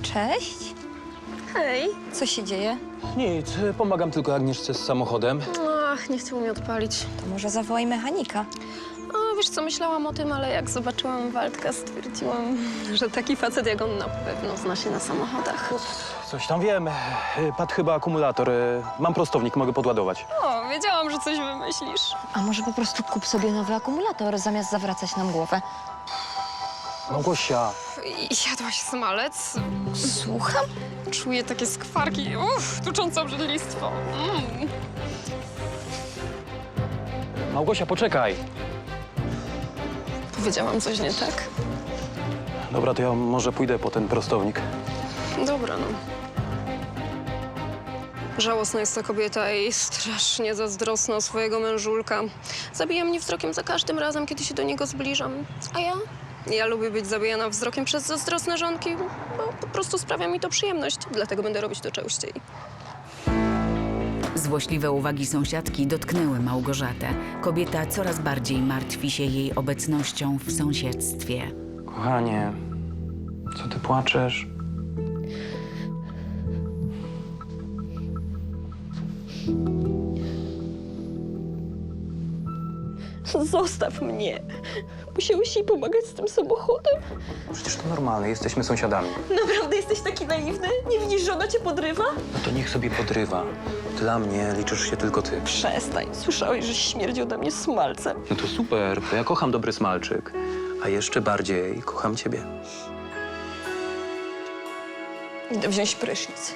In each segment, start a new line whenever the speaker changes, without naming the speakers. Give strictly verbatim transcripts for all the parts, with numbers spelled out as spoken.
Cześć.
Hej.
Co się dzieje?
Nic, pomagam tylko Agnieszce z samochodem.
Ach, nie chciał mi odpalić.
To może zawołaj mechanika.
O, wiesz co, myślałam o tym, ale jak zobaczyłam Waldka, stwierdziłam, że taki facet jak on na pewno zna się na samochodach.
Coś tam wiem. Padł chyba akumulator. Mam prostownik, mogę podładować.
O, wiedziałam, że coś wymyślisz.
A może po prostu kup sobie nowy akumulator, zamiast zawracać nam głowę?
Małgosia,
I jadłaś smalec?
Słucham?
Czuję takie skwarki, uff, tuczące obrzydlistwo. Mm.
Małgosia, poczekaj.
Powiedziałam coś nie tak?
Dobra, to ja może pójdę po ten prostownik.
Dobra, no. Żałosna jest ta kobieta i strasznie zazdrosna o swojego mężulka. Zabija mnie wzrokiem za każdym razem, kiedy się do niego zbliżam. A ja? Ja lubię być zabijana wzrokiem przez zazdrosne żonki, bo po prostu sprawia mi to przyjemność. Dlatego będę robić to częściej.
Złośliwe uwagi sąsiadki dotknęły Małgorzatę. Kobieta coraz bardziej martwi się jej obecnością w sąsiedztwie.
Kochanie, co ty płaczesz?
Zostaw mnie. Musiałeś jej pomagać z tym samochodem?
Przecież to normalne, jesteśmy sąsiadami.
Naprawdę jesteś taki naiwny? Nie widzisz, że ona cię podrywa?
No to niech sobie podrywa. Dla mnie liczysz się tylko ty.
Przestań. Słyszałeś, że śmierdzi ode mnie smalcem.
No to super, bo ja kocham dobry smalczyk. A jeszcze bardziej kocham ciebie.
Idę wziąć prysznic.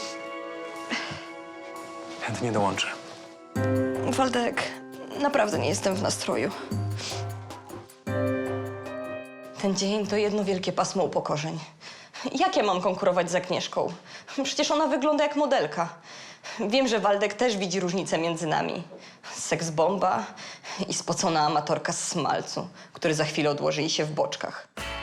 Chętnie dołączę.
Waldek, naprawdę nie jestem w nastroju.
Ten dzień to jedno wielkie pasmo upokorzeń. Jak ja mam konkurować z Agnieszką? Przecież ona wygląda jak modelka. Wiem, że Waldek też widzi różnicę między nami. Seksbomba i spocona amatorka z smalcu, który za chwilę odłoży jej się w boczkach.